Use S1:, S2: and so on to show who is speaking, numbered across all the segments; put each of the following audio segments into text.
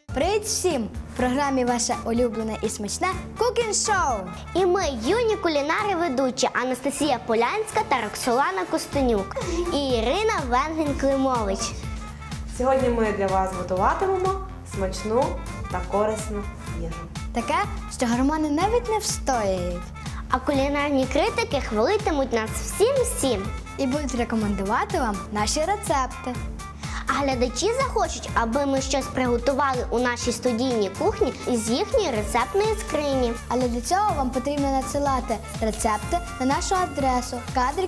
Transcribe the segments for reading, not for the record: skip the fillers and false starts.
S1: Привіт всім! В програмі ваше улюблене і смачне Cooking Show.
S2: І ми, юні кулінари-ведучі Анастасія Полянська та Роксолана Костенюк і Ірина Венгін-Климович.
S3: Сьогодні ми для вас готуватимемо смачну та корисну їжу.
S1: Таке, що гормони навіть не встояють.
S2: А кулінарні критики хвалитимуть нас всім-всім.
S1: І будуть рекомендувати вам наші рецепти.
S2: А глядачі захочуть, аби ми щось приготували у нашій студійній кухні із їхньої рецептної скрині.
S1: Але для цього вам потрібно надсилати рецепти на нашу адресу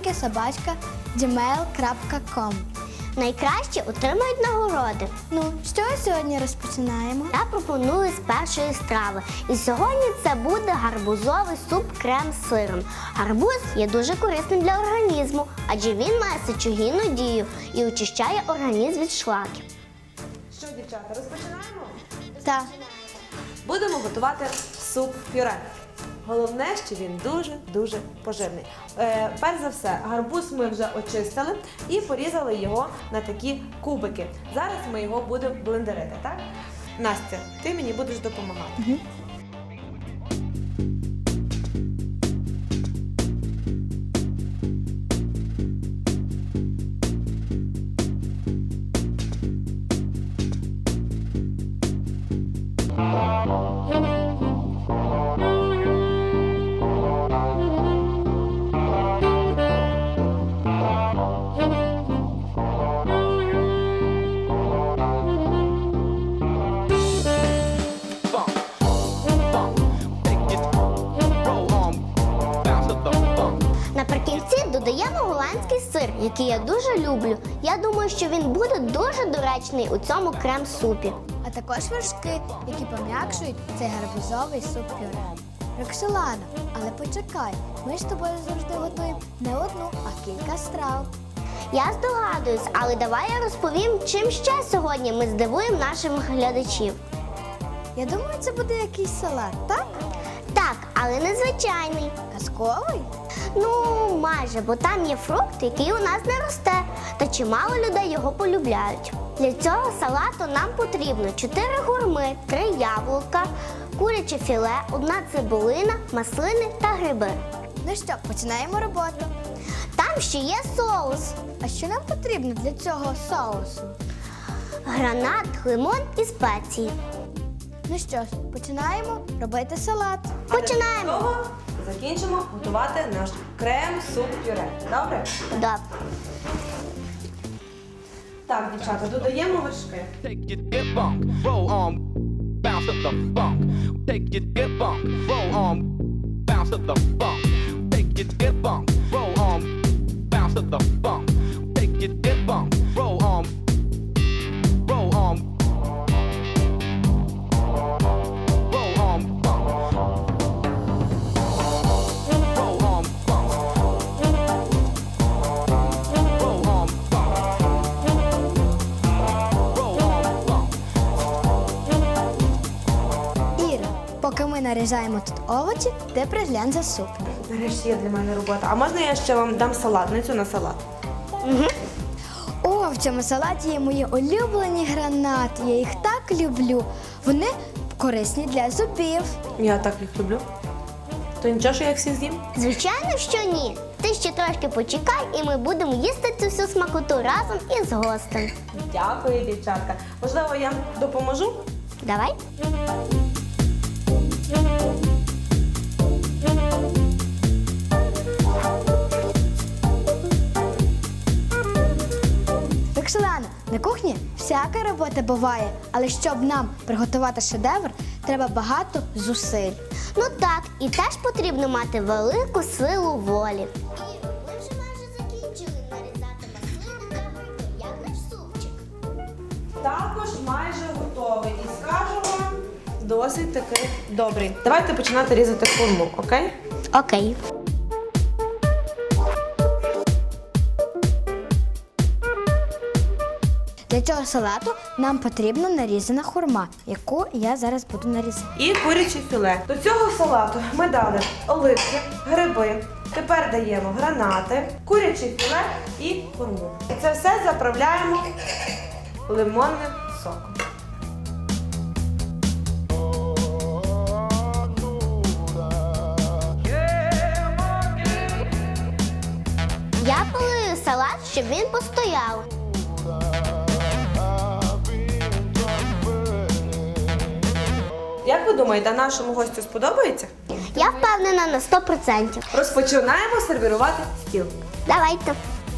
S1: kadriki@gmail.com.
S2: Найкраще отримають нагороди.
S1: Ну, з чого сьогодні розпочинаємо?
S2: Я пропоную з першої страви. І сьогодні це буде гарбузовий суп-крем з сиром. Гарбуз є дуже корисним для організму, адже він має сечогінну дію і очищає організм від шлаків.
S3: Що, дівчата, розпочинаємо?
S1: Так.
S3: Будемо готувати суп-пюре. Головне, що він дуже-дуже поживний. Перш за все, гарбуз ми вже очистили і порізали його на такі кубики. Зараз ми його будемо блендерити, так? Настя, ти мені будеш допомагати.
S2: Наприкінці додаємо голландський сир, який я дуже люблю. Я думаю, що він буде дуже доречний у цьому крем-супі.
S1: А також вершки, які пом'якшують цей гарбузовий суп-пюре. Роксолана, але почекай, ми ж з тобою завжди готуємо не одну, а кілька страв.
S2: Я здогадуюсь, але давай я розповім, чим ще сьогодні ми здивуємо наших глядачів.
S1: Я думаю, це буде якийсь салат, так?
S2: Так, але не звичайний.
S1: Казковий?
S2: Ну, майже, бо там є фрукт, який у нас не росте, та чимало людей його полюбляють. Для цього салату нам потрібно 4 гурми, 3 яблука, куряче філе, 1 цибулина, маслини та гриби.
S1: Ну що, починаємо роботу.
S2: Там ще є соус.
S1: А що нам потрібно для цього соусу?
S2: Гранат, лимон і спеції.
S1: Ну що ж, починаємо робити салат.
S2: Починаємо.
S3: Для того закінчимо готувати наш крем-суп-пюре. Добре?
S2: Добре.
S3: Так, дівчата, додаємо вершки.
S4: Take your dip bump, roll on, bounce to the funk. Take your dip bump, roll on, bounce to the funk. Take your dip bump, roll on, bounce to the funk. Take your dip bump, roll on, roll on, roll on, bump. Roll on, bump. Roll on, bump. Roll on, bump.
S1: Іра, поки ми нарізаємо тут овочі, ти приглянь за суп.
S3: Нарешті є для мене робота. А можна я ще вам дам салатницю на салат?
S1: О, в цьому салаті є мої улюблені гранати. Я їх так люблю. Вони корисні для зубів.
S3: Я так їх люблю. То нічого, що я їх всі з'їм?
S2: Звичайно, що ні. Ти ще трошки почекай, і ми будемо їсти цю всю смакоту разом із гостем.
S3: Дякую, дівчатка. Можливо, я допоможу?
S2: Давай.
S1: Роксолана, на кухні всяка робота буває, але щоб нам приготувати шедевр, треба багато зусиль.
S2: Ну так, і теж потрібно мати велику силу волі. Ми вже майже закінчили нарізати маслини та гриби, як наш супчик.
S3: Також майже готовий. І скажу вам, досить таки добрий. Давайте починати різати хурму, окей?
S2: Окей.
S1: Для цього салату нам потрібна нарізана хурма, яку я зараз буду нарізати.
S3: І куряче філе. До цього салату ми дали оливки, гриби. Тепер даємо гранати, куряче філе і хурму. І це все заправляємо лимонним соком.
S2: щоб він постояв.
S3: Як ви думаєте, нашому гостю сподобається?
S2: Я впевнена на 100%.
S3: Розпочинаємо сервірувати стіл.
S2: Давайте.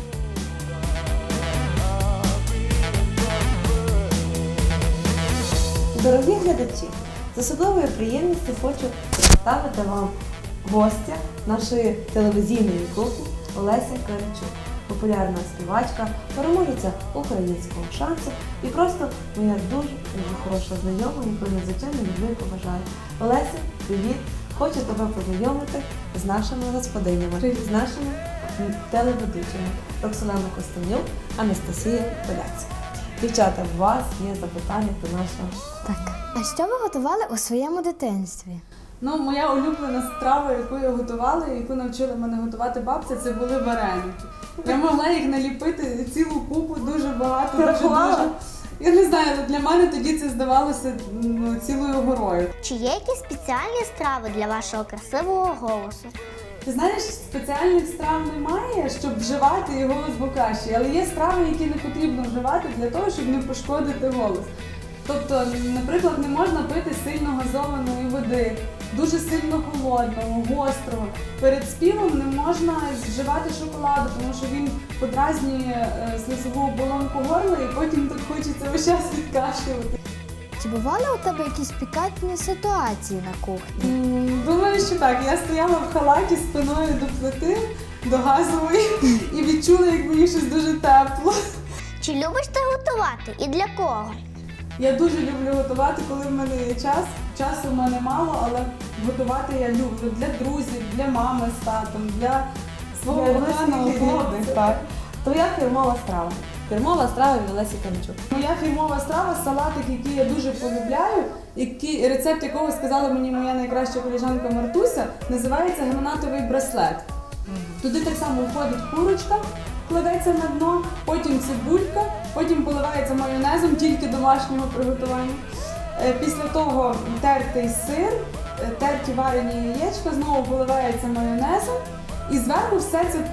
S3: Дорогі глядачі, з особливою приємністю хочу представити вам гостя нашої телевізійної кухні Олеся Карачук, популярна співачка, переможеця українського шансу і просто моя дуже хороша знайома, яку я, звичайно, люблю і поважаю. Олеся, привіт! Хочу тебе познайомити з нашими господинями, з нашими телеведучими Роксолана Костенюк, Анастасія Поляцька. Дівчата, у вас є запитання до нашого.
S1: Так. А що ви готували у своєму дитинстві?
S5: Ну, моя улюблена страва, яку я готувала, і яку навчила мене готувати бабця, це були вареники. Я могла їх наліпити цілу купу, дуже багато,
S3: Ти рахувала?
S5: дуже. Я не знаю, але для мене тоді це здавалося цілою горою.
S2: Чи є якісь спеціальні страви для вашого красивого голосу?
S5: Ти знаєш, спеціальних страв немає, щоб вживати і голос був кращий, але є страви, які не потрібно вживати для того, щоб не пошкодити голос. Тобто, наприклад, не можна пити сильно газованої води, дуже сильно холодного, гострого. Перед співом не можна вживати шоколаду, тому що він подразнює слизову оболонку горла і потім так хочеться весь час відкашлювати.
S1: Чи бували у тебе якісь пікантні ситуації на кухні?
S5: Думаю, що так. Я стояла в халаті спиною до плити, до газової і відчула, як мені щось дуже тепло.
S2: Чи любиш ти готувати і для кого?
S5: Я дуже люблю готувати, коли в мене є час. Часу в мене мало, але готувати я люблю для друзів, для мами з татом, для свого коханого хлопця.
S3: Так. Твоя фірмова страва. Фірмова страва від Олесі Карачук.
S5: Моя фірмова страва – салатик, який я дуже полюбляю, рецепт якого сказала мені моя найкраща колежанка Мартуся, називається гранатовий браслет. Туди так само входить курочка, кладеться на дно, потім цибулька, потім поливається майонезом, тільки домашнього приготування. Після того тертий сир, терті варені яєчка, знову поливається майонезом і зверху все це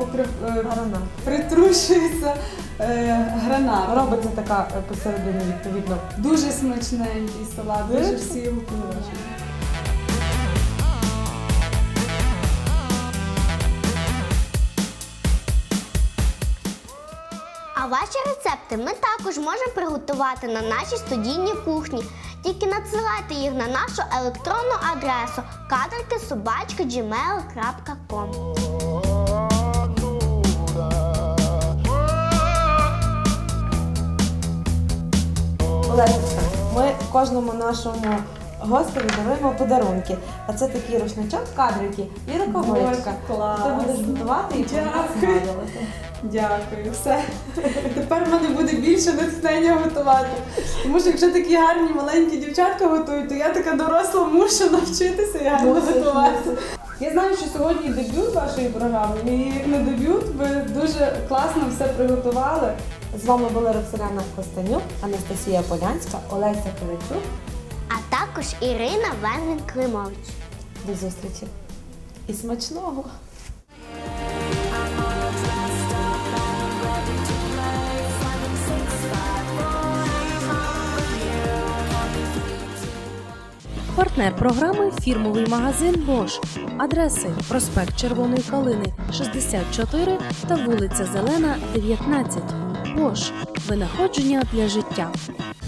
S5: притрушується гранатом.
S3: Робиться така посередині, відповідно.
S5: Дуже смачненький салат, дуже всі його полюбляють.
S2: А ваші рецепти ми також можемо приготувати на нашій студійній кухні. Тільки надсилайте їх на нашу електронну адресу kadriki@gmail.com.
S3: Олесечка, ми кожному нашому гостеві даруємо подарунки. А це такий рушничок, кадрики і рукавичка.
S5: Клас.
S3: Ти будеш готувати і
S5: Дякую.
S3: згадувати.
S5: Дякую, все. Тепер в мене буде більше натхнення готувати. Тому що якщо такі гарні маленькі дівчатка готують, то я така доросла мушу навчитися і гарно готувати. Я знаю, що сьогодні дебют вашої програми, і як на дебют ви дуже класно все приготували.
S3: З вами була Роксолана Костенюк, Анастасія Полянська, Олеся Карачук.
S2: А також Ірина Венгін-Климович.
S3: До зустрічі. І смачного!
S6: Партнер програми – фірмовий магазин Bosch. Адреси: проспект Червоної Калини, 64 та вулиця Зелена, 19. Bosch. Винаходження для життя.